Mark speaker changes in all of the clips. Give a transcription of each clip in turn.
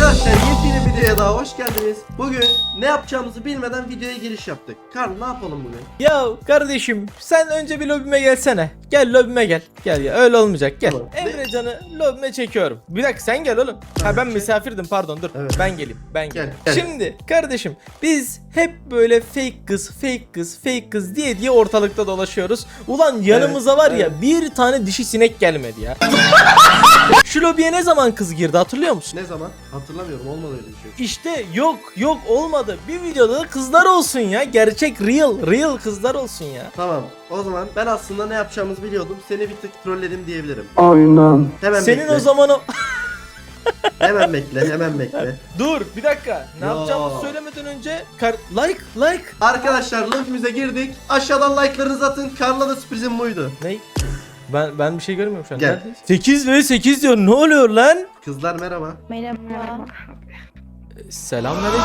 Speaker 1: Arkadaşlar yepyeni bir videoya daha hoş geldiniz. Bugün ne yapacağımızı bilmeden videoya giriş yaptık. Karl ne yapalım bugün?
Speaker 2: Ya kardeşim sen önce bir lobime gelsene. Gel lobime gel. Gel ya öyle olmayacak gel.
Speaker 1: Tamam.
Speaker 2: Emrecan'ı lobime çekiyorum. Bir dakika sen gel oğlum. Ha ben misafirdim pardon dur.
Speaker 1: Evet.
Speaker 2: Ben geleyim.
Speaker 1: Gel.
Speaker 2: Şimdi kardeşim biz hep böyle fake kız diye ortalıkta dolaşıyoruz. Ulan yanımıza
Speaker 1: Evet,
Speaker 2: var ya
Speaker 1: evet.
Speaker 2: bir tane dişi sinek gelmedi ya. Şu lobiye ne zaman kız girdi hatırlıyor musun?
Speaker 1: Ne zaman? Hatırlamıyorum, olmadı öyle bir şey.
Speaker 2: İşte yok olmadı. Bir videoda da kızlar olsun ya. Gerçek real kızlar olsun ya.
Speaker 1: Tamam, o zaman ben aslında ne yapacağımızı biliyordum. Seni bir tık trolledim diyebilirim.
Speaker 3: Aynen.
Speaker 1: Hemen
Speaker 2: Senin
Speaker 1: bekle.
Speaker 2: o zaman o...
Speaker 1: Hemen bekle.
Speaker 2: Dur bir dakika. Ne
Speaker 1: Ya.
Speaker 2: yapacağımızı söylemeden önce like.
Speaker 1: Arkadaşlar lobimize girdik. Aşağıdan like'larınızı atın. Karl'a da sürprizim buydu.
Speaker 2: Ne? Ben bir şey görmüyorum şu an.
Speaker 1: Gel.
Speaker 2: Neredeyiz? 8 ve 8 diyor. Ne oluyor lan?
Speaker 1: Kızlar merhaba.
Speaker 4: Merhaba.
Speaker 2: Selamünaleyküm.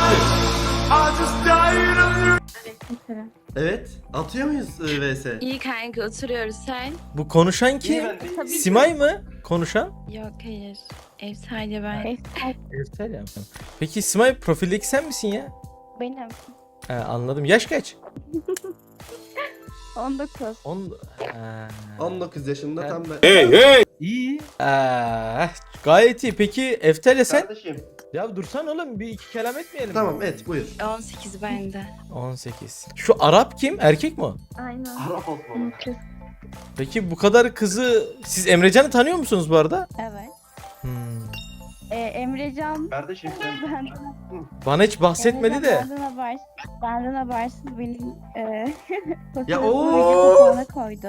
Speaker 1: Evet. Atıyor muyuz vs?
Speaker 4: İyi kanka oturuyoruz sen.
Speaker 2: Bu konuşan kim?
Speaker 4: Tabii ki.
Speaker 2: Simay mı? Konuşan?
Speaker 4: Yok hayır. Ev sadece ben.
Speaker 2: Eftel ya. Peki Simay profildeki sen misin ya?
Speaker 5: Benim.
Speaker 2: Anladım. Yaş kaç?
Speaker 5: 19.
Speaker 2: 10.
Speaker 1: 19 yaşında tam da.
Speaker 2: İyi. Gayet iyi. Peki Eftel'e sen?
Speaker 1: Kardeşim.
Speaker 2: Ya dursan oğlum bir iki kelam etmeyelim.
Speaker 1: Tamam et buyur.
Speaker 4: 18 bende.
Speaker 2: 18. Şu Arap kim? Erkek mi o?
Speaker 5: Aynen.
Speaker 1: Arap olmalı.
Speaker 5: Kız.
Speaker 2: Peki bu kadar kızı siz Emrecan'ı tanıyor musunuz bu arada?
Speaker 5: Evet.
Speaker 2: Hmm.
Speaker 5: Emrecan
Speaker 1: Kardeşim sen.
Speaker 5: benden,
Speaker 2: Bana hiç bahsetmedi de.
Speaker 5: Benden habersiz benim
Speaker 1: Ya,
Speaker 5: fotoğrafımı kapağına koydu.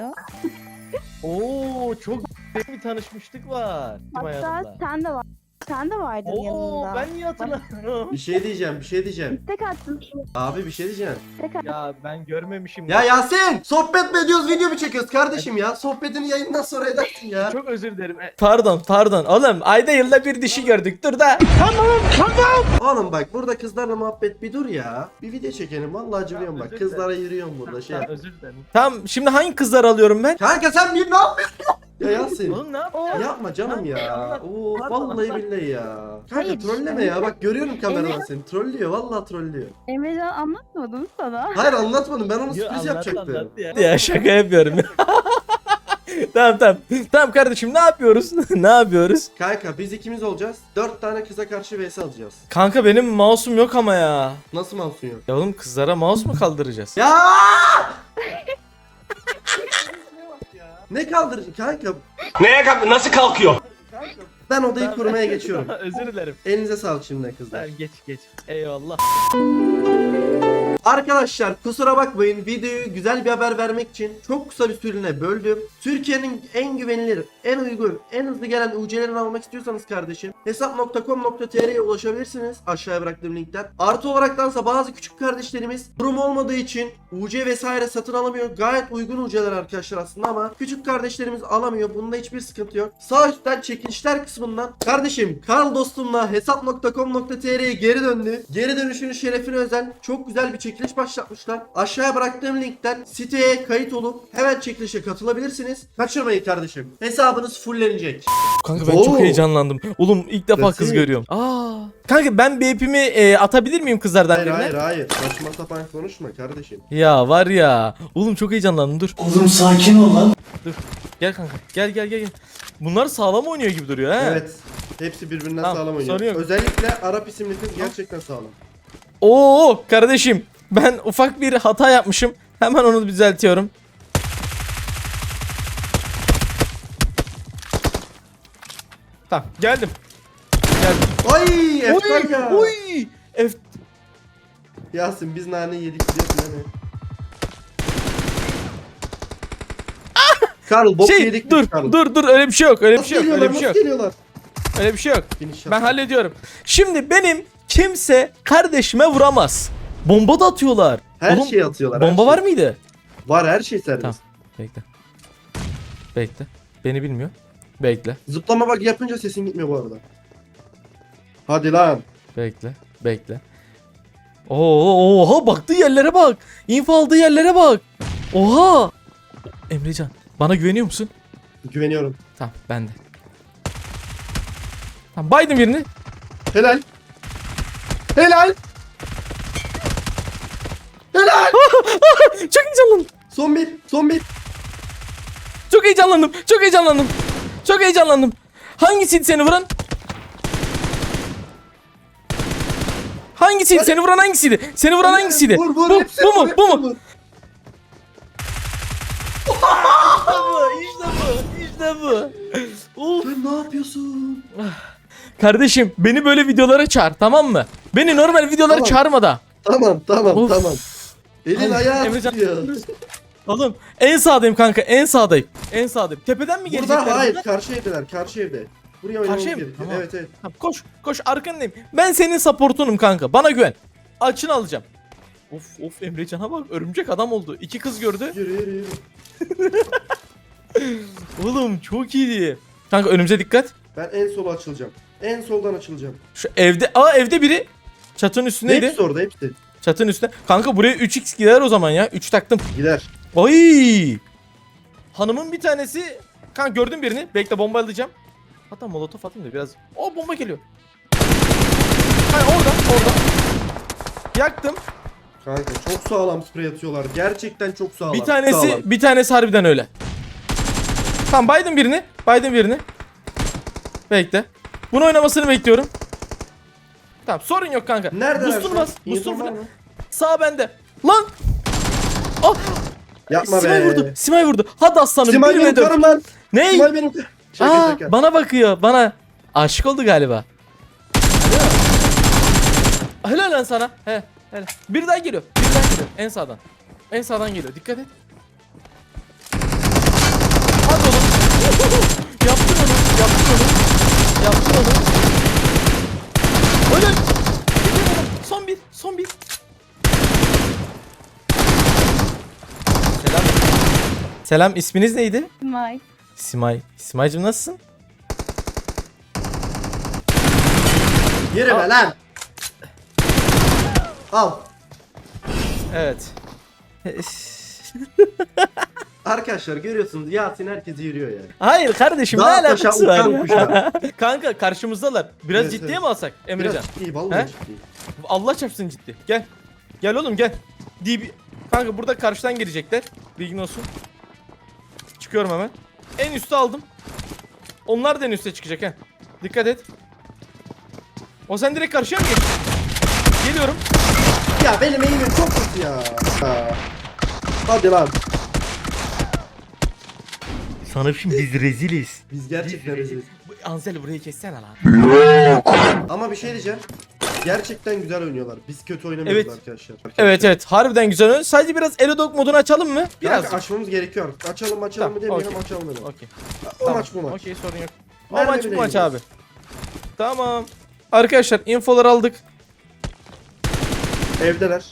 Speaker 2: Oo çok bir tanışmışlık var.
Speaker 5: Hatta sen de vardın
Speaker 2: Oo
Speaker 5: yanında.
Speaker 2: ben niye hatırlamıyorum?
Speaker 1: Bir şey diyeceğim.
Speaker 5: Tek attın.
Speaker 1: Abi bir şey diyeceğim.
Speaker 2: Ya ben görmemişim.
Speaker 1: Ya Yasin! Sohbet mi ediyoruz, video mu çekiyoruz kardeşim ya? Sohbetini yayından sonra edersin ya.
Speaker 2: Çok özür dilerim. Pardon. Oğlum ayda yılda bir dişi gördük. Dur da.
Speaker 1: Oğlum bak burada kızlarla muhabbet bir dur ya. Bir video çekelim vallahi acılıyorum bak.
Speaker 2: özür
Speaker 1: Kızlara yürüyorum burada şey.
Speaker 2: Özür dilerim. Tamam şimdi hangi kızlar alıyorum ben?
Speaker 1: Kanka sen bir ne yapıyorsun? Ya Yasin.
Speaker 2: Oğlum ne yapıyorsun?
Speaker 1: Yapma canım ya.
Speaker 2: Anlat.
Speaker 1: Oo
Speaker 2: Anlat.
Speaker 1: vallahi billahi ya. Kanka
Speaker 5: Hayır.
Speaker 1: trolleme ya. Bak görüyorum kameradan seni. Trollüyor vallahi trollüyor.
Speaker 5: Emrecan anlatmadım sana.
Speaker 1: Hayır anlatmadım. Ben onu
Speaker 2: Yo,
Speaker 1: sürpriz yapacaktım.
Speaker 2: Ya şaka yapıyorum. Tamam kardeşim ne yapıyoruz? Ne yapıyoruz?
Speaker 1: Kanka biz ikimiz olacağız. 4 tane kıza karşı vs alacağız.
Speaker 2: Kanka benim mouse'um yok ama ya.
Speaker 1: Nasıl mouse'un yok?
Speaker 2: Ya oğlum kızlara mouse mu kaldıracağız?
Speaker 1: Ya! Ne kaldırıcı kanka?
Speaker 3: Nasıl kalkıyor?
Speaker 1: Ben odayı kurmaya geçiyorum.
Speaker 2: Özür dilerim.
Speaker 1: Elinize sağlık şimdiden kızlar.
Speaker 2: Tamam geç. Eyvallah.
Speaker 1: Arkadaşlar kusura bakmayın, videoyu güzel bir haber vermek için çok kısa bir süreliğine böldüm. Türkiye'nin en güvenilir, en uygun, en hızlı gelen UC'lerini almak istiyorsanız kardeşim hesap.com.tr'ye ulaşabilirsiniz aşağıya bıraktığım linkten. Artı olaraktansa bazı küçük kardeşlerimiz durum olmadığı için UC vesaire satın alamıyor. Gayet uygun UC'ler arkadaşlar aslında ama küçük kardeşlerimiz alamıyor. Bunda hiçbir sıkıntı yok. Sağ üstten çekilişler kısmından kardeşim Karl dostumla hesap.com.tr'ye geri döndü. Geri dönüşünün şerefine özel çok güzel bir çekiliş başlatmışlar. Aşağıya bıraktığım linkten siteye kayıt olup hemen çekilişe katılabilirsiniz. Kaçırmayın kardeşim. Hesabınız fullenecek.
Speaker 2: Kanka ben
Speaker 1: Oo.
Speaker 2: çok heyecanlandım. Oğlum ilk defa kız
Speaker 1: Nasıl?
Speaker 2: görüyorum. Kanka ben BP'mi atabilir miyim kızlardan
Speaker 1: Hayır
Speaker 2: birine?
Speaker 1: hayır. Saçma sapan konuşma kardeşim.
Speaker 2: Ya var ya. Oğlum çok heyecanlandım dur.
Speaker 3: Oğlum sakin ol lan.
Speaker 2: Gel kanka. Gel. Bunlar sağlam oynuyor gibi duruyor ha.
Speaker 1: Evet. Hepsi birbirinden
Speaker 2: Tamam,
Speaker 1: sağlam oynuyor.
Speaker 2: sorun yok.
Speaker 1: Özellikle Arap isimli kız gerçekten sağlam.
Speaker 2: Oo kardeşim. Ben ufak bir hata yapmışım. Hemen onu düzeltiyorum. Tamam geldim.
Speaker 1: Ay eftal ya.
Speaker 2: Oy.
Speaker 1: Yasin biz nane yedik biliyorsun değil mi? Karl bok yedik biz Karl.
Speaker 2: dur öyle bir şey yok. Öyle bir
Speaker 1: Nasıl
Speaker 2: şey yok.
Speaker 1: geliyorlar,
Speaker 2: Öyle bir şey
Speaker 1: nasıl
Speaker 2: yok.
Speaker 1: geliyorlar?
Speaker 2: Öyle bir şey yok.
Speaker 1: Finish
Speaker 2: Ben
Speaker 1: yaptım.
Speaker 2: hallediyorum. Şimdi benim kimse kardeşime vuramaz. Bomba da atıyorlar.
Speaker 1: Her
Speaker 2: Oğlum,
Speaker 1: şeyi atıyorlar. her
Speaker 2: Bomba
Speaker 1: şey.
Speaker 2: var mıydı?
Speaker 1: Var, her şey serbest.
Speaker 2: Tamam. Bekle. Beni bilmiyor. Bekle.
Speaker 1: Zıplama bak yapınca sesin gitmiyor bu arada. Hadi lan.
Speaker 2: Bekle. Oha baktığı yerlere bak. İnfo aldığı yerlere bak. Oha. Emrecan bana güveniyor musun?
Speaker 1: Güveniyorum.
Speaker 2: Tamam ben de. Tamam baydım birini.
Speaker 1: Helal. Helal. Helal.
Speaker 2: Çok heyecanlandım.
Speaker 1: Son bir. Son bir.
Speaker 2: Çok heyecanlandım. Çok heyecanlandım. Çok heyecanlandım. Hangisiydi seni vuran? Hangisiydi?
Speaker 1: Hadi.
Speaker 2: Seni vuran hangisiydi? Seni vuran hangisiydi?
Speaker 1: Vur vur.
Speaker 2: Bu,
Speaker 1: hepsini
Speaker 2: bu mu?
Speaker 1: vur,
Speaker 2: Bu
Speaker 1: hepsini
Speaker 2: mu?
Speaker 1: vur.
Speaker 2: İşte bu. Of.
Speaker 1: Sen ne yapıyorsun?
Speaker 2: Kardeşim beni böyle videolara çağır, tamam mı? Beni normal videolara
Speaker 1: Tamam.
Speaker 2: çağırma da.
Speaker 1: Tamam tamam
Speaker 2: Of.
Speaker 1: tamam. Elin
Speaker 2: Ay,
Speaker 1: ayağı
Speaker 2: Emrecan.
Speaker 1: tutuyor.
Speaker 2: Oğlum en sağdayım kanka, en sağdayım. En sağdayım. Tepeden mi gelecekler?
Speaker 1: Burada hayır,
Speaker 2: bunlar?
Speaker 1: karşı evdeler, karşı evde. Buraya oynamamız
Speaker 2: Karşıya mı?
Speaker 1: gerekiyor.
Speaker 2: Tamam.
Speaker 1: Evet evet.
Speaker 2: Tamam, koş koş arkandayım. Ben senin supportunum kanka. Bana güven. Açını alacağım. Of Emrecan'a bak, örümcek adam oldu. 2 kız gördü.
Speaker 1: Yürü yürü yürü.
Speaker 2: Oğlum çok iyiydi. Kanka önümüze dikkat.
Speaker 1: Ben en sola açılacağım. En soldan açılacağım.
Speaker 2: Şu evde, evde biri. Çatının üstündeydi.
Speaker 1: Hepsi orada hepsi.
Speaker 2: Çatının üstünde. Kanka buraya 3x gider o zaman ya. 3 taktım.
Speaker 1: Gider.
Speaker 2: Oy! Hanımın bir tanesi. Kanka gördüm birini. Bekle, bomba alacağım. Hatta molotof atayım da biraz. O bomba geliyor. Hayır, orada. Yaktım.
Speaker 1: Kanka çok sağlam sprey atıyorlar. Gerçekten çok sağlam.
Speaker 2: Bir tanesi harbiden öyle. Tamam, baydım birini. Bekle. Bunu oynamasını bekliyorum. Tamam, sorun yok kanka.
Speaker 1: Nerede?
Speaker 2: Boost'unu bas.
Speaker 1: İnfo
Speaker 2: Boost'unu
Speaker 1: var
Speaker 2: falan.
Speaker 1: mı?
Speaker 2: Sağ bende. Lan! Ah!
Speaker 1: Yapma
Speaker 2: Simay
Speaker 1: be.
Speaker 2: vurdu. Simay vurdu. Hadi aslanım.
Speaker 1: Simay
Speaker 2: 1
Speaker 1: benim
Speaker 2: ve 4.
Speaker 1: karım lan.
Speaker 2: Ney?
Speaker 1: Simay benim. Şaka
Speaker 2: Aa,
Speaker 1: şaka.
Speaker 2: bana bakıyor. Bana. Aşık oldu galiba. Helal lan sana. He. Helal. Bir daha geliyor. En sağdan. En sağdan geliyor. Dikkat et. Hadi oğlum. Yaptın onu. Öyle. Son bir. Selam, isminiz neydi?
Speaker 5: May.
Speaker 2: Simay. Simay'cım nasılsın?
Speaker 1: Yürü be lan. Al.
Speaker 2: Evet.
Speaker 1: Arkadaşlar görüyorsunuz Yasin herkesi yürüyor yani.
Speaker 2: Hayır kardeşim, ne
Speaker 1: Dağ
Speaker 2: alakası
Speaker 1: taşa,
Speaker 2: var
Speaker 1: uçan
Speaker 2: ya?
Speaker 1: kuşa.
Speaker 2: Kanka karşımızdalar. Biraz
Speaker 1: Evet,
Speaker 2: ciddiye
Speaker 1: evet.
Speaker 2: mi alsak Emrecan?
Speaker 1: Biraz ciddi vallahi
Speaker 2: He?
Speaker 1: ciddi.
Speaker 2: Allah çarpsın ciddi. Gel. Gel oğlum gel. Kanka burada karşıdan girecekler. Bilgin olsun. Çıkıyorum hemen. En üste aldım. Onlar da en üste çıkacak he. Dikkat et. O sen direkt karşıya mı geçtin? Geliyorum.
Speaker 1: Ya benim eğimim çok kötü ya. Ha. Hadi lan.
Speaker 2: Sana şimdi biz reziliz.
Speaker 1: Biz gerçekten reziliz.
Speaker 2: Ansel burayı kessene lan.
Speaker 1: Ama bir şey diyeceğim. Gerçekten güzel oynuyorlar. Biz kötü oynamıyoruz
Speaker 2: Evet.
Speaker 1: arkadaşlar.
Speaker 2: Evet harbiden güzel oyun. Sadece biraz Elodog modunu açalım mı?
Speaker 1: Biraz
Speaker 2: Biraz.
Speaker 1: açmamız gerekiyor. Açalım
Speaker 2: Tamam,
Speaker 1: mı demeyelim,
Speaker 2: okey.
Speaker 1: açalım dedim.
Speaker 2: Okey.
Speaker 1: O maç bu maç.
Speaker 2: Okey, sorun yok. O
Speaker 1: Mermi
Speaker 2: maç bu
Speaker 1: bile
Speaker 2: maç
Speaker 1: yemiyoruz.
Speaker 2: abi. Tamam. Arkadaşlar infoları aldık.
Speaker 1: Evdeler.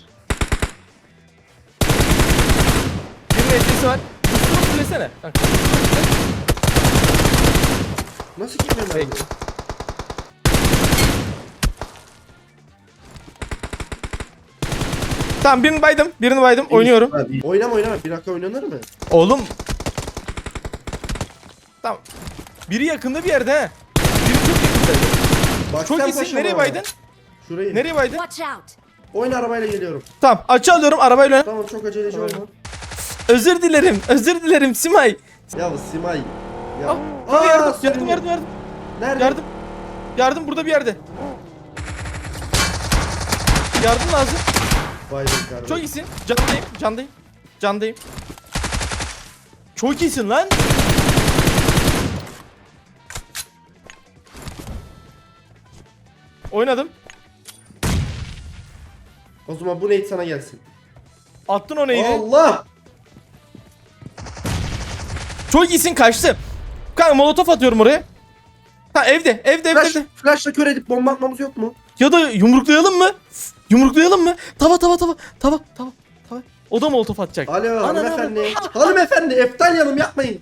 Speaker 2: Bir metresi var. Üstünü fullesene. Kanka.
Speaker 1: Nasıl gitmiyor ben?
Speaker 2: Peki. Tamam, birini baydım. Oynuyorum.
Speaker 1: Oynama. Bir dakika oynanır mı?
Speaker 2: Oğlum. Tamam. Biri yakında bir yerde he. Biri çok yakındaydı.
Speaker 1: Bak
Speaker 2: Çok
Speaker 1: sen
Speaker 2: iyisin.
Speaker 1: paşama.
Speaker 2: Nereye baydın?
Speaker 1: Şurayı.
Speaker 2: Nereye baydın?
Speaker 6: Watch out!
Speaker 1: Oyun arabayla geliyorum.
Speaker 2: Tamam, açı alıyorum arabayla. oyna.
Speaker 1: Tamam çok aceleci olma.
Speaker 2: Özür dilerim Simay.
Speaker 1: Ya Simay. Ya.
Speaker 2: Kanka yardım,
Speaker 1: sürünüyor.
Speaker 2: yardım.
Speaker 1: Nerede?
Speaker 2: Yardım burada bir yerde. Yardım lazım.
Speaker 1: Vay be kardeşim.
Speaker 2: Çok iyisin. Candayım. Çok iyisin lan. Oynadım.
Speaker 1: O zaman bu neydi sana gelsin.
Speaker 2: Attın o neydi?
Speaker 1: Allah!
Speaker 2: Çok iyisin, kaçtı. Kanka molotof atıyorum oraya. Ha evde.
Speaker 1: Flash'la kör edip bomba atmamız yok mu?
Speaker 2: Ya da yumruklayalım mı? Tava. O da molotof atacak.
Speaker 1: Alo
Speaker 2: Ana,
Speaker 1: hanımefendi. Hanımefendi Eftalyanım yapmayın.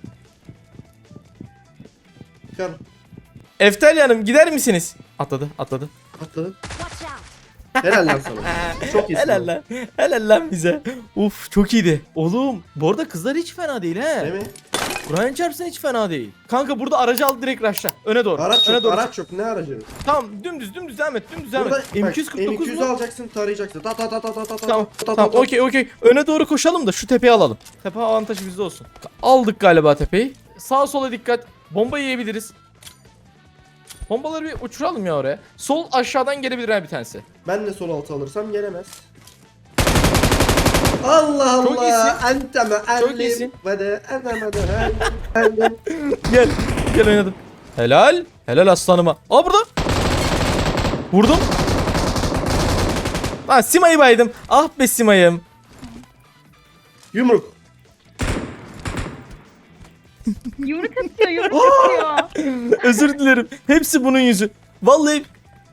Speaker 1: Çıkar.
Speaker 2: Eftel Hanım gider misiniz? Atladı.
Speaker 1: Atladı.
Speaker 6: Watch out!
Speaker 1: Helal lan sana. Çok iyisin.
Speaker 2: Helal lan bize. Uf çok iyiydi. Oğlum bu arada kızlar hiç fena değil he.
Speaker 1: Değil mi?
Speaker 2: Kur'an çarpsın hiç fena değil. Kanka burada aracı al direkt rush'la. Öne doğru.
Speaker 1: Araç
Speaker 2: Öne
Speaker 1: yok,
Speaker 2: doğru.
Speaker 1: araç yok. Ne aracı?
Speaker 2: Tamam dümdüz devam et. Dümdüz devam
Speaker 1: Burada
Speaker 2: et. M249
Speaker 1: M200
Speaker 2: mu?
Speaker 1: alacaksın, tarayacaksın. Ta ta ta ta ta ta ta.
Speaker 2: Tamam.
Speaker 1: ta ta
Speaker 2: Tamam
Speaker 1: ta.
Speaker 2: okey. Öne doğru koşalım da şu tepeyi alalım. Tepe avantajı bizde olsun. Aldık galiba tepeyi. Sağa sola dikkat. Bomba yiyebiliriz. Bombaları bir uçuralım ya oraya. Sol aşağıdan gelebilir ha bir tanesi.
Speaker 1: Ben de sol altı alırsam gelemez. Allah
Speaker 2: Çok
Speaker 1: Allah.
Speaker 2: iyisin.
Speaker 1: Enteme
Speaker 2: Çok
Speaker 1: ellim
Speaker 2: iyisin.
Speaker 1: ve de enteme de ellim.
Speaker 2: Gel oynadım. Helal aslanıma. Aa burada. Vurdum. Ha Sima'yı baydım. Ah be Sima'yım.
Speaker 1: Yumruk.
Speaker 5: Yumruk atıyor.
Speaker 2: Özür dilerim. Hepsi bunun yüzü. Vallahi.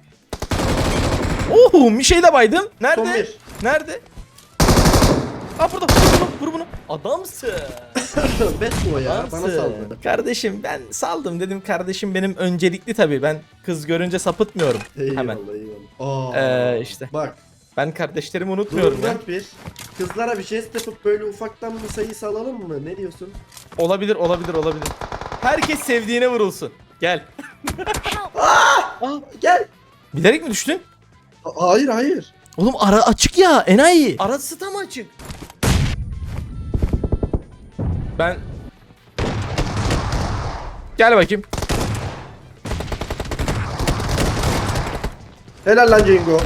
Speaker 2: Oh bir şey de baydım.
Speaker 1: Son
Speaker 2: Nerede?
Speaker 1: bir.
Speaker 2: Nerede? Aa burada. Vur bunu. Adamsın.
Speaker 1: Best o ya. Bana
Speaker 2: Adamsın.
Speaker 1: saldı.
Speaker 2: Kardeşim ben saldım dedim. Kardeşim benim öncelikli tabii. Ben kız görünce sapıtmıyorum. Hemen.
Speaker 1: Eyvallah. Aa,
Speaker 2: işte.
Speaker 1: Bak.
Speaker 2: Ben kardeşlerimi unutmuyorum
Speaker 1: Durum
Speaker 2: ya.
Speaker 1: 4-1. Kızlara bir jest yapıp böyle ufaktan bir sayı salalım mı? Ne diyorsun?
Speaker 2: Olabilir. Herkes sevdiğine vurulsun. Gel.
Speaker 1: Gel.
Speaker 2: Bilerek mi düştün?
Speaker 1: Hayır.
Speaker 2: Oğlum ara açık ya enayi. Arası tam açık. Ben... Gel bakayım.
Speaker 1: Helal lan Cengo.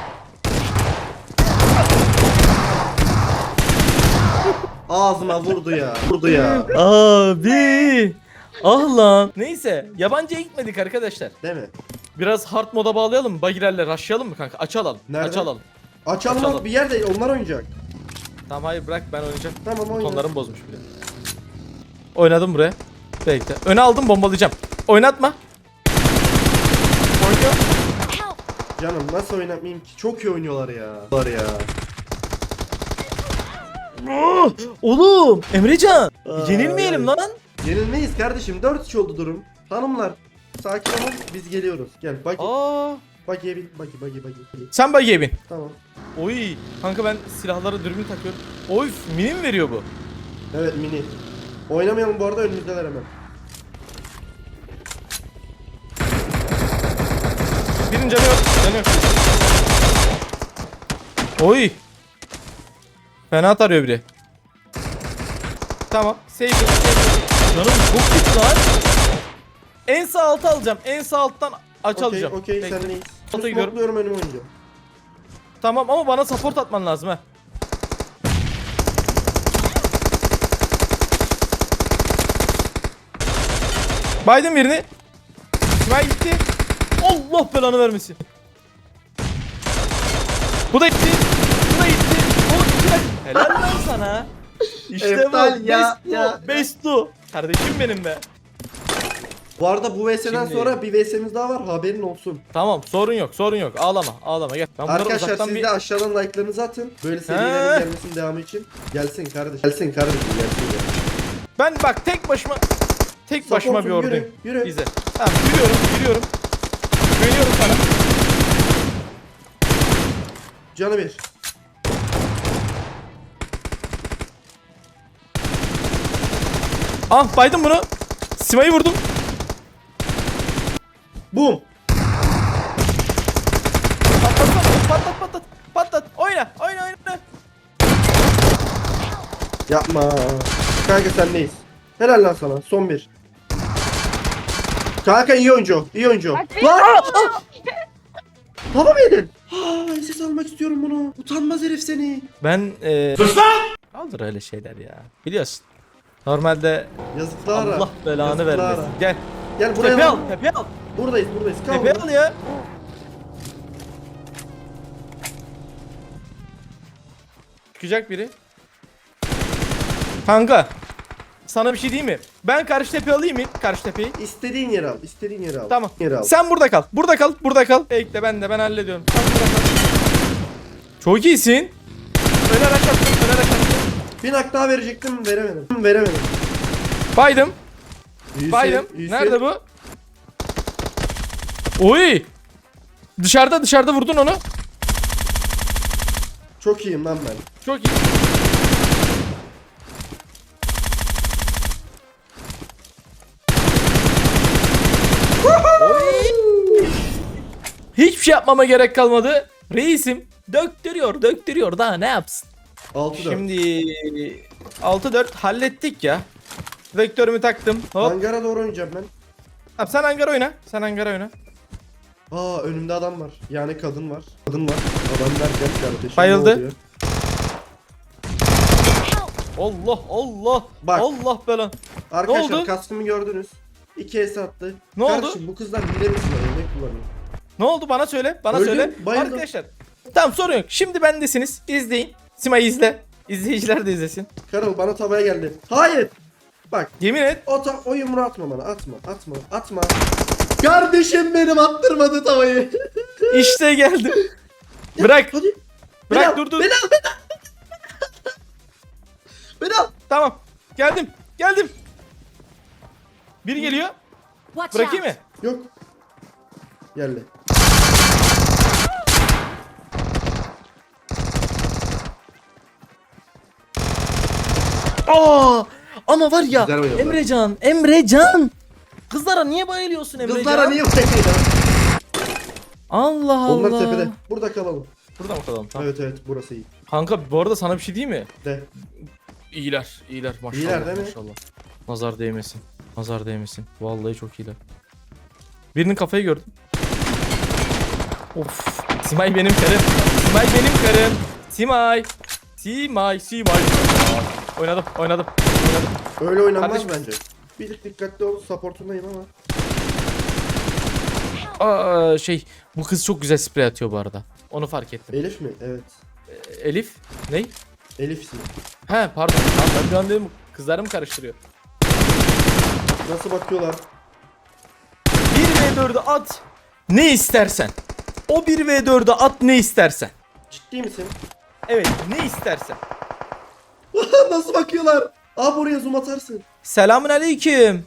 Speaker 1: Ağzıma vurdu ya.
Speaker 2: Abi. Ah lan. Neyse yabancıya gitmedik arkadaşlar.
Speaker 1: Değil mi?
Speaker 2: Biraz hard moda bağlayalım mı? Bagirlerle rushlayalım mı kanka? Açalım.
Speaker 1: Nerede?
Speaker 2: Açalım.
Speaker 1: Açalım bir yer değil. Onlar oynayacak.
Speaker 2: Tamam hayır bırak ben oynayacağım.
Speaker 1: Tamam oyna.
Speaker 2: Tonlarım bozmuş bile. Oynadım buraya. Bekle. Öne aldım bombalayacağım. Oynatma. Oynuyor.
Speaker 1: Canım nasıl oynatmayayım ki? Çok iyi oynuyorlar ya. Var ya.
Speaker 2: Oğlum Emrecan.
Speaker 1: Ay,
Speaker 2: Yenilmeyelim
Speaker 1: ay.
Speaker 2: lan.
Speaker 1: Yenilmeyiz kardeşim. 4-3 oldu durum. Hanımlar sakin olun. Biz geliyoruz. Gel bak.
Speaker 2: Aa.
Speaker 1: Bagiye bin. Bagi.
Speaker 2: Sen bagiye bin.
Speaker 1: Tamam.
Speaker 2: Oy. Kanka ben silahlara dürbün takıyorum. Oy mini mi veriyor bu?
Speaker 1: Evet mini. Oynamayalım bu arada önümüzdeler hemen.
Speaker 2: Birinin canı yok. Oy. Fena tarıyor biri. Tamam. Save. Canım çok kötü lan. En sağ altı alacağım. En sağ alttan alacağım.
Speaker 1: Okey
Speaker 2: Bekle.
Speaker 1: sen neyiz?
Speaker 2: Ota gidiyorum.
Speaker 1: Smokluyorum önüme oynayacağım.
Speaker 2: Tamam ama bana support atman lazım ha. Biden birini. Kime gitti? Allah belanı vermesin. Bu da gitti. Oğlum iki dakika. Helal lan sana. İşte
Speaker 1: Eftal
Speaker 2: bu.
Speaker 1: ya,
Speaker 2: Bestu.
Speaker 1: ya.
Speaker 2: Bestu. Kardeşim benim be.
Speaker 1: Bu arada bu VS'den
Speaker 2: Şimdi-
Speaker 1: sonra bir VS'miz daha var haberin olsun.
Speaker 2: Tamam sorun yok. Ağlama gel. Ben bunları
Speaker 1: Arkadaşlar
Speaker 2: uzaktan
Speaker 1: siz
Speaker 2: bir...
Speaker 1: de aşağıdan like'larınızı atın. Böyle
Speaker 2: He.
Speaker 1: serilerin gelmesinin devamı için. Gelsin kardeşim. Gelsin.
Speaker 2: Ben bak tek başıma bir
Speaker 1: Supportum,
Speaker 2: orduyum.
Speaker 1: yürü.
Speaker 2: İzle. Tamam yürüyorum. Güveniyorum sana.
Speaker 1: Canı bir.
Speaker 2: Ah baydım bunu. Sima'yı vurdum.
Speaker 1: Boom.
Speaker 2: Patlat. Oyna.
Speaker 1: Yapma. Kanka sen neyiz? Helal lan sana. Son bir. Kanka iyi oyuncu. Lan! Hava mı yedin? Ses almak istiyorum bunu. Utanmaz herif seni.
Speaker 2: Ben Kaldır öyle şeyler ya. Biliyorsun. Normalde
Speaker 1: Yazıklar.
Speaker 2: Allah belanı
Speaker 1: Yazıklar.
Speaker 2: vermesin. Gel.
Speaker 1: Gel buraya.
Speaker 2: Tepe al.
Speaker 1: Buradayız. Kal
Speaker 2: Tepe
Speaker 1: burada.
Speaker 2: al ya. Çıkacak biri. Kanka. Sana bir şey diyeyim mi? Ben karşı tepe alayım mı? Karşı tepeyi.
Speaker 1: İstediğin yere al.
Speaker 2: Tamam.
Speaker 1: Yere al.
Speaker 2: Sen burada kal. Burada kal. Bekle ben hallediyorum. Sen burada kal. Çok iyisin. Öne araç attım.
Speaker 1: Bir nak daha verecektim. Veremedim.
Speaker 2: Baydım.
Speaker 1: İyisin.
Speaker 2: Nerede bu? Oy. Dışarıda vurdun onu.
Speaker 1: Çok iyiyim lan ben.
Speaker 2: Çok iyi. Hiçbir şey yapmama gerek kalmadı. Reisim döktürüyor daha ne yapsın?
Speaker 1: 6-4.
Speaker 2: Şimdi 6-4 hallettik ya. Vektörümü taktım. Hop.
Speaker 1: Hangara doğru oynayacağım ben.
Speaker 2: Abi sen hangar oyna. Sen hangar oyna.
Speaker 1: Aa önümde adam var. Yani kadın var. Kadın var. Adam derken kardeşim.
Speaker 2: Bayıldı.
Speaker 1: ne oluyor?
Speaker 2: Allah.
Speaker 1: Bak.
Speaker 2: Allah belan.
Speaker 1: Arkadaşlar
Speaker 2: Ne oldu?
Speaker 1: kaskımı gördünüz. 2 es attı.
Speaker 2: Ne oldu?
Speaker 1: Kardeşim bu kızlar hile mi kullanıyor? Ne kullanıyor?
Speaker 2: Ne oldu bana söyle. Bana
Speaker 1: Öldüm,
Speaker 2: söyle.
Speaker 1: bayıldım.
Speaker 2: Arkadaşlar. Tamam sorun yok. Şimdi bendesiniz. İzleyin. Sima'yı izle. İzleyiciler de izlesin.
Speaker 1: Karıl bana tavaya geldi. Hayır. Bak
Speaker 2: Yemin et.
Speaker 1: o yumruğu atma bana. Atma. Kardeşim benim attırmadı tavayı.
Speaker 2: İşte geldi. Bırak.
Speaker 1: Hadi.
Speaker 2: Bırak
Speaker 1: Beni al,
Speaker 2: dur.
Speaker 1: Beni al. Beni al.
Speaker 2: Tamam. Geldim. Biri geliyor. Bırakayım mı?
Speaker 1: Yok. Geldi.
Speaker 2: Aa! Ama var ya
Speaker 1: Güzel oynadılar.
Speaker 2: Emrecan. Kızlara niye bayılıyorsun Emrecan?
Speaker 1: Kızlara niye bakıyorsun?
Speaker 2: Allah Allah.
Speaker 1: Onlar tepede. Burada kalalım.
Speaker 2: Burada mı kalalım? Tamam.
Speaker 1: Evet burası iyi.
Speaker 2: Kanka bu arada sana bir şey diyeyim mi?
Speaker 1: De.
Speaker 2: İyiler maşallah.
Speaker 1: İyiler değil mi?
Speaker 2: Maşallah. Nazar değmesin. Vallahi çok iyiler. Birinin kafayı gördüm. Of. Simay benim karım. Simay. Oynadım.
Speaker 1: Öyle oynanmaz
Speaker 2: Kardeşim.
Speaker 1: bence. Bir tık dikkatli ol. Supportundayım ama.
Speaker 2: Bu kız çok güzel sprey atıyor bu arada. Onu fark ettim.
Speaker 1: Elif mi? Evet.
Speaker 2: Elif? Ney?
Speaker 1: Elif'sin.
Speaker 2: He pardon. Tamam, ben bir an dedim kızlarımı karıştırıyor.
Speaker 1: Nasıl bakıyorlar?
Speaker 2: 1v4'ü at ne istersen. O 1v4'ü at ne istersen.
Speaker 1: Ciddi misin?
Speaker 2: Evet ne istersen.
Speaker 1: Nasıl bakıyorlar? Abi oraya zoom atarsın.
Speaker 2: Selamun aleyküm.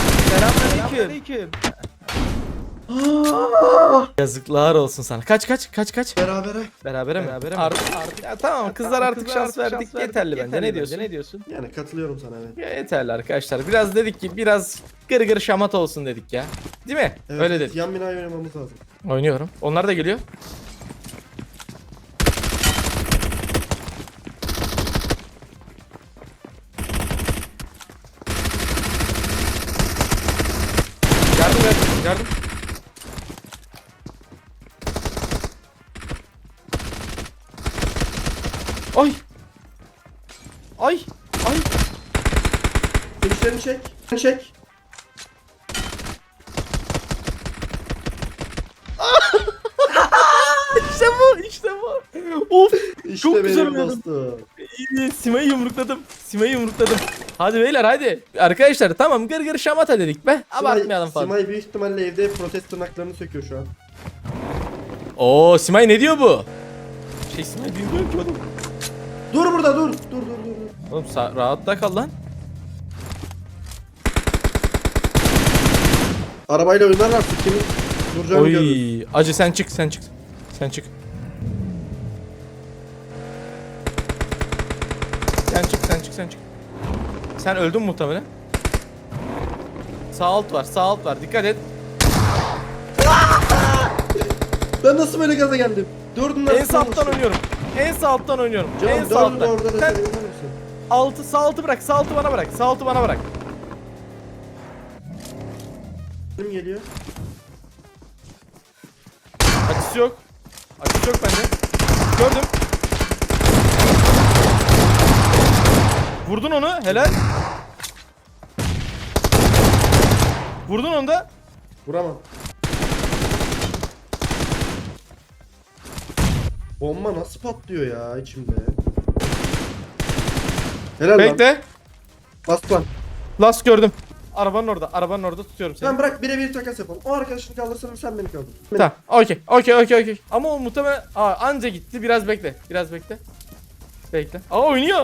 Speaker 2: Yazıklar olsun sana. Kaç.
Speaker 1: Berabere.
Speaker 2: Berabere mi? Artık. Ya tamam kızlar artık şans verdik. Yeterli bence. Ne diyorsun?
Speaker 1: Yani katılıyorum sana evet.
Speaker 2: Ya yeterli arkadaşlar. Biraz dedik ki biraz gır şamat olsun dedik ya. Değil mi?
Speaker 1: Evet,
Speaker 2: Öyle dedik.
Speaker 1: Yan binayı oynamamız lazım.
Speaker 2: Oynuyorum. Onlar da geliyor. Yardım. Ay.
Speaker 1: Finişlerini çek.
Speaker 2: İşte bu. Of.
Speaker 1: İşte
Speaker 2: Çok
Speaker 1: benim
Speaker 2: güzel oynadım.
Speaker 1: dostum.
Speaker 2: İyi, Sima'yı yumrukladım. Hadi beyler hadi. Arkadaşlar tamam gır şamata dedik be. Abartmayalım fazla.
Speaker 1: Simay büyük ihtimalle evde protest tırnaklarını söküyor şu an.
Speaker 2: Oo Simay ne diyor bu? Simay bilmiyorum ki oğlum.
Speaker 1: Dur burada dur.
Speaker 2: Oğlum rahatta kal lan.
Speaker 1: Arabayla oynarlar kimin duracağını görürüz.
Speaker 2: Oy acı sen çık. Sen çık. Sen öldün muhtemelen. Sağ alt var. Dikkat et.
Speaker 1: Ben nasıl böyle gaza geldim? Dördünden
Speaker 2: En sağ alttan oynuyorum. En sağ alttan oynuyorum.
Speaker 1: Canım
Speaker 2: En sağ
Speaker 1: dördü de
Speaker 2: alttan.
Speaker 1: orada da
Speaker 2: Sen
Speaker 1: sen inanır mısın?
Speaker 2: sağ altı bırak. Sağ altı bana bırak.
Speaker 1: Kim geliyor?
Speaker 2: Açısı yok bende. Gördüm. Vurdun onu. Helal. Vurdun onu da.
Speaker 1: Vuramam. Bomba nasıl patlıyor ya içimde? Helal lan.
Speaker 2: Bekle.
Speaker 1: Bas lan.
Speaker 2: Last gördüm. Arabanın orada tutuyorum seni.
Speaker 1: Sen bırak birebir takas yapalım. O arkadaşını kaldırsın sen beni kaldır.
Speaker 2: Tamam. Okey. Ama o muhtemelen anca gitti. Biraz bekle. Bekle. Oynuyor.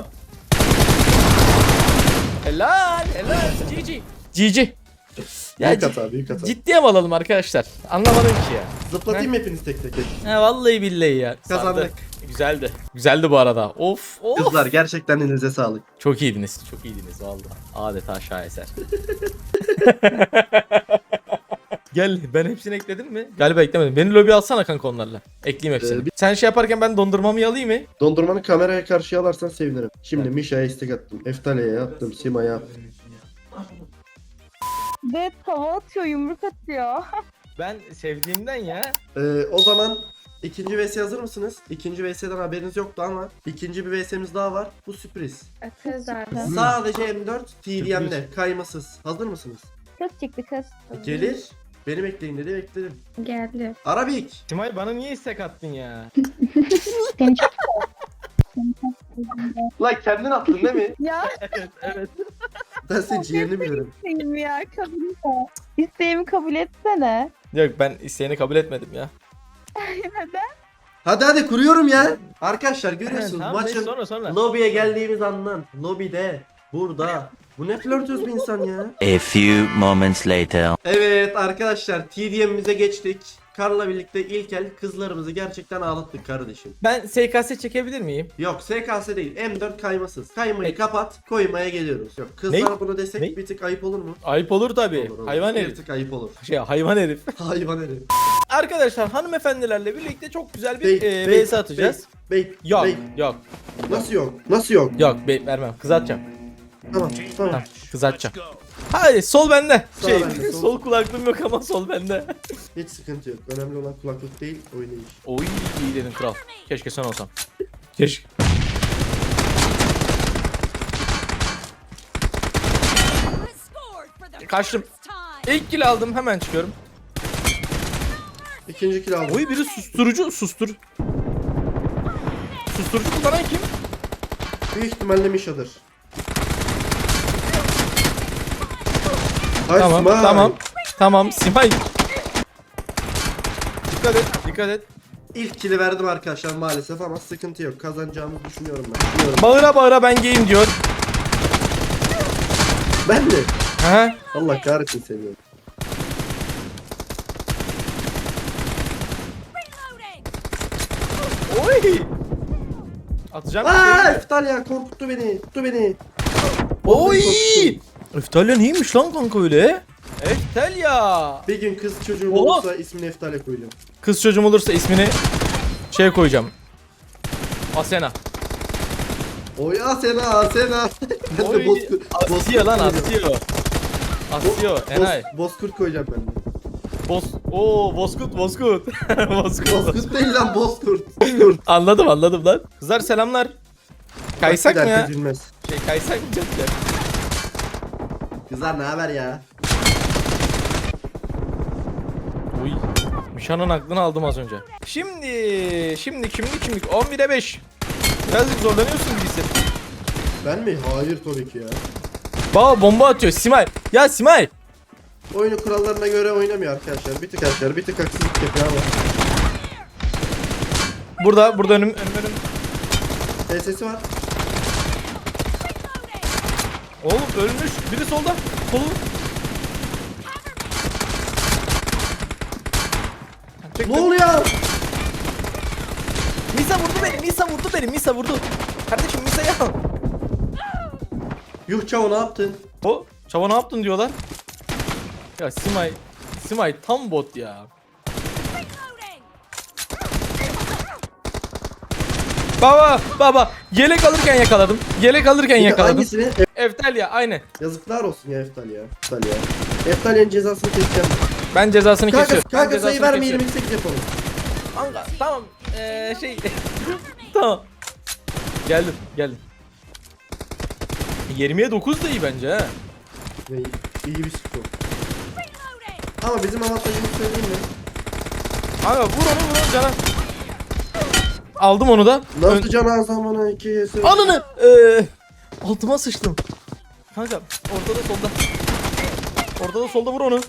Speaker 2: Helal. GG. Ya
Speaker 1: Büyük hata.
Speaker 2: ciddiye mi alalım arkadaşlar? Anlamadım ki ya.
Speaker 1: Zıplatayım mı hepiniz tek tek?
Speaker 2: Vallahi billahi ya.
Speaker 1: Kazandık.
Speaker 2: Sardı. Güzeldi bu arada. Of.
Speaker 1: Kızlar gerçekten elinize sağlık.
Speaker 2: Çok iyiydiniz vallahi. Adeta şaheser. Gel ben hepsini ekledim mi? Galiba eklemedim. Beni lobi alsana kanka onlarla. Ekleyeyim hepsini. Sen şey yaparken ben dondurmamı alayım mı?
Speaker 1: Dondurmanı kameraya karşı alarsan sevinirim. Şimdi Mişa'ya istek attım. Eftale'ye attım. Sima'ya attım.
Speaker 5: Ve tava atıyor, yumruk atıyor.
Speaker 2: Ben sevdiğimden ya.
Speaker 1: O zaman ikinci VS hazır mısınız? İkinci VS'den haberiniz yoktu ama ikinci bir VS'miz daha var. Bu sürpriz.
Speaker 4: Atarız abi.
Speaker 1: Sadece M4 TDM'de kaymasız. Hazır mısınız?
Speaker 5: Kız çıktı kız.
Speaker 1: Gelir. Beni bekleyin dedi, bekledim.
Speaker 4: Geldi.
Speaker 1: Arabik.
Speaker 2: Simay bana niye istek attın ya?
Speaker 5: Seni çok
Speaker 1: Lan kendin attın değil mi?
Speaker 5: ya
Speaker 2: Evet.
Speaker 1: Ben senin ciğerini bilirim.
Speaker 5: isteğim ya, kabul et. İsteğimi kabul etsene.
Speaker 2: Yok ben isteğini kabul etmedim ya.
Speaker 5: Neden?
Speaker 1: Hadi kuruyorum ya. Arkadaşlar görüyorsunuz
Speaker 2: Tamam, neyse,
Speaker 1: maçın
Speaker 2: sonra.
Speaker 1: lobiye geldiğimiz andan. Lobide. Burada. Bu ne flörtöz bir insan ya.
Speaker 6: A few moments later.
Speaker 1: Evet arkadaşlar TDM'imize geçtik. Karla birlikte ilk el kızlarımızı gerçekten ağlattık kardeşim.
Speaker 2: Ben SKS çekebilir miyim?
Speaker 1: Yok SKS değil M4 kaymasız. Kaymayı
Speaker 2: Peki.
Speaker 1: kapat koymaya geliyoruz. Yok kızlar
Speaker 2: Ne?
Speaker 1: bunu desek
Speaker 2: Ne?
Speaker 1: bir tık ayıp olur mu?
Speaker 2: Ayıp olur tabii.
Speaker 1: Olur, olur.
Speaker 2: Hayvan
Speaker 1: Bir
Speaker 2: herif.
Speaker 1: tık ayıp olur.
Speaker 2: Hayvan herif.
Speaker 1: Hayvan herif.
Speaker 2: Arkadaşlar hanımefendilerle birlikte çok güzel bir VS atacağız.
Speaker 1: Bey.
Speaker 2: Yok
Speaker 1: bey.
Speaker 2: yok
Speaker 1: Nasıl yok? Nasıl yok?
Speaker 2: yok vermem. Kız atacağım.
Speaker 1: Tamam.
Speaker 2: Tamam kız atacağım. Hayır sol bende.
Speaker 1: Sağ bende, sol.
Speaker 2: sol kulaklığım yok ama sol bende.
Speaker 1: Hiç sıkıntı yok. Önemli olan kulaklık değil oynayış.
Speaker 2: Oy iyi dedin kral. Keşke sen olsam. Keşke. Kaçtım. İlk kill aldım hemen çıkıyorum.
Speaker 1: İkinci kill aldım.
Speaker 2: Oy biri susturucu Susturucu kullanan kim?
Speaker 1: Büyük ihtimalle Misha'dır. Ay,
Speaker 2: Tamam
Speaker 1: Smile.
Speaker 2: tamam Simay. Dikkat et.
Speaker 1: İlk kill'i verdim arkadaşlar maalesef ama sıkıntı yok. Kazanacağımızı düşünüyorum ben. Düşünüyorum.
Speaker 2: Bağıra ben gayim diyor.
Speaker 1: Ben de.
Speaker 2: Ha?
Speaker 1: Allah kahretsin seviyorum.
Speaker 2: Oy. Atacağım.
Speaker 1: Aa, Eftalya korkuttu beni. Tuttu beni.
Speaker 2: Oy.
Speaker 1: Korkuttu.
Speaker 2: Eftalya neymiş lan kanka öyle? Eftalya.
Speaker 1: Bir gün kız çocuğum
Speaker 2: Oha.
Speaker 1: olursa ismini Eftalya koyacağım.
Speaker 2: Kız çocuğum olursa ismini koyacağım. Asena.
Speaker 1: Oy Asena. Ben de
Speaker 2: Oy. Asya lan
Speaker 1: koyacağım.
Speaker 2: Asya. Enay.
Speaker 1: Bozkurt koyacağım ben de.
Speaker 2: Bozkurt. Bozkurt.
Speaker 1: Bozkurt değil lan Bozkurt. Bozkurt.
Speaker 2: Anladım lan. Kızlar selamlar. Kaysak mı
Speaker 1: Bak, bir
Speaker 2: ya?
Speaker 1: dakika gülmez.
Speaker 2: Kaysak mı cidden?
Speaker 1: Kızlar ne haber ya?
Speaker 2: Uy. Mişan'ın aklını aldım az önce. Şimdi 11'e 5. Birazcık zorlanıyorsun gibisi.
Speaker 1: Ben mi? Hayır tabii ki ya.
Speaker 2: Baba bomba atıyor Simay. Ya Simay.
Speaker 1: Oyunu kurallarına göre oynamıyor arkadaşlar. Bir tık haksızlık yapıyor ama.
Speaker 2: Burada önüm.
Speaker 1: TS'si var.
Speaker 2: Oğlum ölmüş. Biri solda. Solu.
Speaker 1: Ne oluyor?
Speaker 2: Misa vurdu. Kardeşim Misa'yı al.
Speaker 1: Yuh Çavo ne yaptın?
Speaker 2: O çava ne yaptın diyorlar. Ya Simay tam bot ya. Baba yelek alırken yakaladım.
Speaker 1: Hangisini?
Speaker 2: Eftalya aynı.
Speaker 1: Yazıklar olsun ya Eftalya. Eftalya'nın cezasını keseceğim.
Speaker 2: Ben cezasını
Speaker 1: Kanka,
Speaker 2: kesiyorum. Ben
Speaker 1: kanka sayı
Speaker 2: cezasını
Speaker 1: verme
Speaker 2: kesiyorum.
Speaker 1: 28 yapalım.
Speaker 2: Kanka tamam. Tamam. Geldim. 20'ye 9 da iyi bence ha.
Speaker 1: Ne, iyi bir skor. Ama bizim avantajımız söyleyeyim mi?
Speaker 2: Kanka vur onu cana. Aldım onu da.
Speaker 1: Nasıl can zamanı 2'ye söyle.
Speaker 2: Ananı. Altıma sıçtım. Kanka ortada solda vur onu.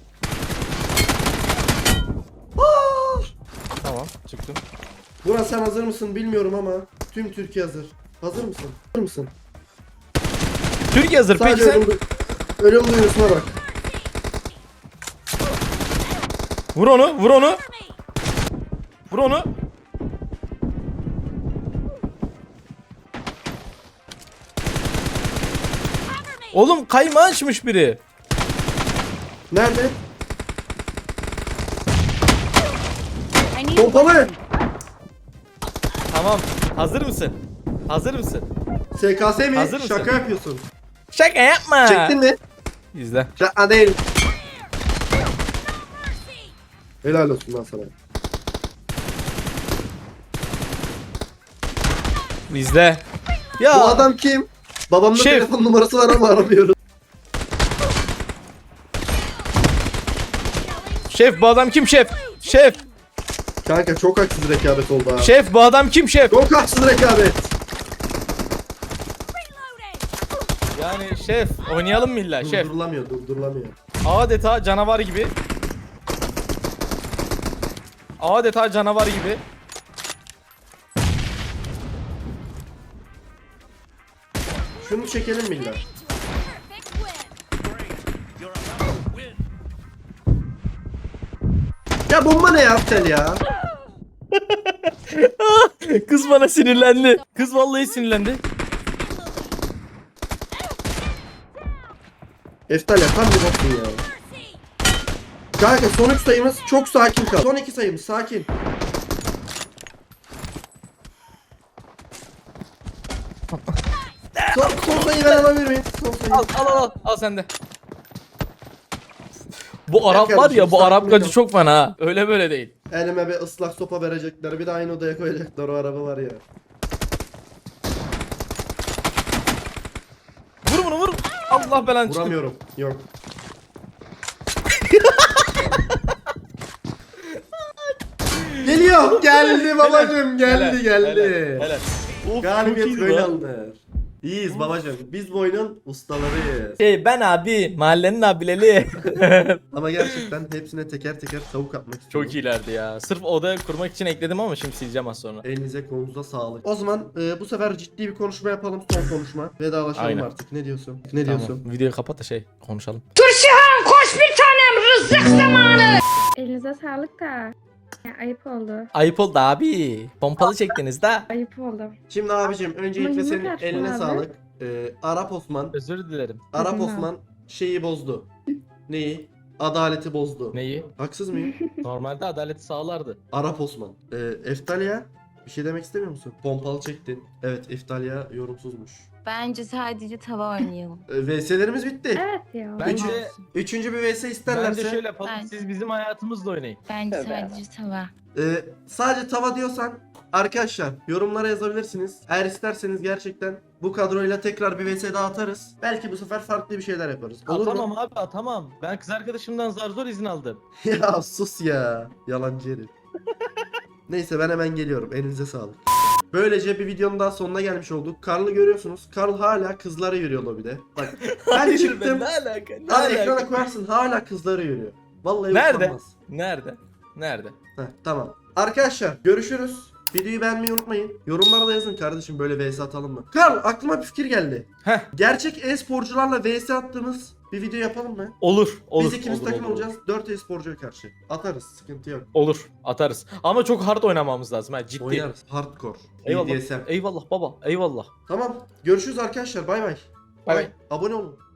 Speaker 2: Tamam çıktım.
Speaker 1: Burak sen hazır mısın bilmiyorum ama tüm Türkiye hazır. Hazır mısın? Hazır mısın?
Speaker 2: Türkiye hazır peki
Speaker 1: Sadece
Speaker 2: sen.
Speaker 1: ölüm duyurusuna bak.
Speaker 2: Vur onu. Oğlum kayma açmış biri.
Speaker 1: Nerede? Pompalı.
Speaker 2: Tamam. Hazır mısın? Hazır mısın?
Speaker 1: SKS mi?
Speaker 2: Hazır mısın?
Speaker 1: Şaka yapıyorsun.
Speaker 2: Şaka yapma.
Speaker 1: Çektin mi?
Speaker 2: İzle.
Speaker 1: Şaka değil. Helal olsun lan sana.
Speaker 2: İzle. Ya.
Speaker 1: Bu adam kim? Babamda
Speaker 2: Şef.
Speaker 1: telefon numarası var ama aramıyoruz.
Speaker 2: Şef bu adam kim şef? Şef.
Speaker 1: Kanka çok haksız rekabet oldu ha.
Speaker 2: Şef bu adam kim şef?
Speaker 1: Çok haksız rekabet.
Speaker 2: Yani şef oynayalım mı illa şef?
Speaker 1: Durdurulamıyor.
Speaker 2: Adeta canavar gibi. Adeta canavar gibi.
Speaker 1: Şunu çekelim mi illa? Ya bomba ne ya Tel ya?
Speaker 2: Kız bana sinirlendi. Kız vallahi sinirlendi.
Speaker 1: Eftal ya tam bir boksun ya. Kanka son 3 sayımız çok sakin kal. Son 2 sayımız sakin. Son sayıyı ben alabilir miyim? Son sayıyı.
Speaker 2: Al sen de. Bu Arap var
Speaker 1: kardeşim,
Speaker 2: ya bu Arap
Speaker 1: sakin
Speaker 2: gacı
Speaker 1: ol.
Speaker 2: çok fena ha. Öyle böyle değil.
Speaker 1: Elime bir ıslak sopa verecekler. Bir de aynı odaya koyacaklar, o araba var ya.
Speaker 2: Vur bunu vur. Allah belanı çıktı.
Speaker 1: Vuramıyorum. Yok. Geliyor. Geldi babacım. Geldi geldi.
Speaker 2: Helal. Of, çok
Speaker 1: Galibiyet
Speaker 2: iyiydi
Speaker 1: böyle
Speaker 2: lan.
Speaker 1: alınır. İyiyiz babacım. Biz bu oyunun ustalarıyız.
Speaker 2: Ben abi mahallenin abileri.
Speaker 1: Ama gerçekten hepsine teker teker tavuk atmak istiyorum.
Speaker 2: Çok iyilerdi ya. Sırf odaya kurmak için ekledim ama şimdi sileceğim az sonra.
Speaker 1: Elinize kolunuza sağlık. O zaman bu sefer ciddi bir konuşma yapalım. Son konuşma. Vedalaşalım
Speaker 2: Aynen.
Speaker 1: artık. Ne diyorsun? Ne diyorsun?
Speaker 2: Tamam. Videoyu kapat da konuşalım.
Speaker 5: Elinize sağlık da. Ya, ayıp oldu.
Speaker 2: Ayıp oldu abi. Pompalı çektiniz de.
Speaker 5: Ayıp oldu.
Speaker 1: Şimdi abicim öncelikle
Speaker 5: Ama
Speaker 1: senin
Speaker 5: yumruk
Speaker 1: eline
Speaker 5: açtın abi.
Speaker 1: sağlık. Arap Osman.
Speaker 2: Özür dilerim.
Speaker 1: Arap
Speaker 5: Hı hı.
Speaker 1: Osman şeyi bozdu. Neyi? Adaleti bozdu.
Speaker 2: Neyi?
Speaker 1: Haksız mıyım?
Speaker 2: Normalde adaleti sağlardı.
Speaker 1: Arap Osman. Eftalya bir şey demek istemiyor musun? Pompalı çektin. Evet Eftalya yorumsuzmuş.
Speaker 4: Bence sadece tava oynayalım.
Speaker 1: VS'lerimiz bitti.
Speaker 5: Evet ya.
Speaker 2: Bence,
Speaker 1: Üçüncü bir VS isterlerse.
Speaker 2: bence şöyle yapalım.
Speaker 4: Ben-
Speaker 2: Siz bizim hayatımızla oynayın.
Speaker 4: Bence
Speaker 5: Tabii.
Speaker 4: sadece tava.
Speaker 1: Sadece tava diyorsan arkadaşlar yorumlara yazabilirsiniz. Eğer isterseniz gerçekten bu kadroyla tekrar bir VS daha atarız. Belki bu sefer farklı bir şeyler yaparız. Olur
Speaker 2: Atamam
Speaker 1: mu?
Speaker 2: abi atamam. Ben kız arkadaşımdan zar zor izin aldım.
Speaker 1: Ya sus ya. Yalancı herif. Neyse ben hemen geliyorum. Elinize sağlık. Böylece bir videonun daha sonuna gelmiş olduk. Karl'ı görüyorsunuz. Karl hala kızlara yürüyor lobide. Bak ben çıktım.
Speaker 2: alaka?
Speaker 1: Hadi ekrana koyarsın hala kızlara yürüyor. Vallahi
Speaker 2: Nerede?
Speaker 1: utanmaz.
Speaker 2: Nerede? Nerede?
Speaker 1: Heh, tamam. Arkadaşlar görüşürüz. Videoyu beğenmeyi unutmayın. Yorumlara da yazın kardeşim böyle vs atalım mı? Karl aklıma bir fikir geldi.
Speaker 2: Heh.
Speaker 1: Gerçek e-sporcularla vs attığımız bir video yapalım mı?
Speaker 2: Olur. Olur.
Speaker 1: Biz ikimiz
Speaker 2: olur,
Speaker 1: takım
Speaker 2: olur,
Speaker 1: olacağız. 4 e-sporcuya karşı. Atarız. Sıkıntı yok.
Speaker 2: Olur. Atarız. Ama çok hard oynamamız lazım ha ciddi.
Speaker 1: Oynarız. Hardcore.
Speaker 2: Eyvallah.
Speaker 1: BDSM.
Speaker 2: Eyvallah baba. Eyvallah.
Speaker 1: Tamam. Görüşürüz arkadaşlar. Bay bay.
Speaker 2: Bay bay.
Speaker 1: Abone olun.